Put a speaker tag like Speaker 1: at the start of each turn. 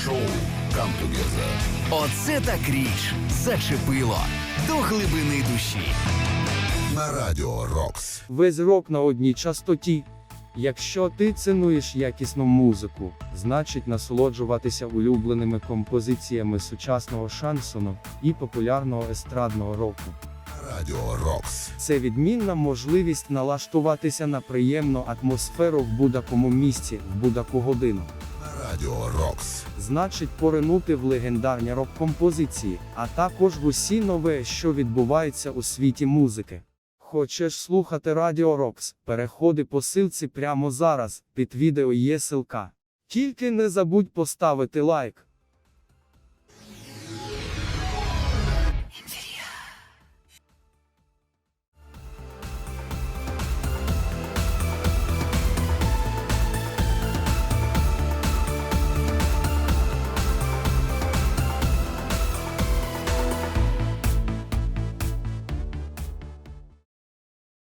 Speaker 1: Шоу «Come Together».
Speaker 2: Оце так річ. Зачепило. До глибини душі.
Speaker 1: На Радіо Рокс.
Speaker 3: Весь рок на одній частоті. Якщо ти цінуєш якісну музику, значить насолоджуватися улюбленими композиціями сучасного шансону і популярного естрадного року.
Speaker 1: На Радіо Рокс.
Speaker 3: Це відмінна можливість налаштуватися на приємну атмосферу в будь-якому місці, в будь-яку годину.
Speaker 1: На Радіо Рокс.
Speaker 3: Значить поринути в легендарні рок-композиції, а також в усі нове, що відбувається у світі музики. Хочеш слухати Радіо Рокс? Переходи по ссылці прямо зараз, під відео є ссылка. Тільки не забудь поставити лайк,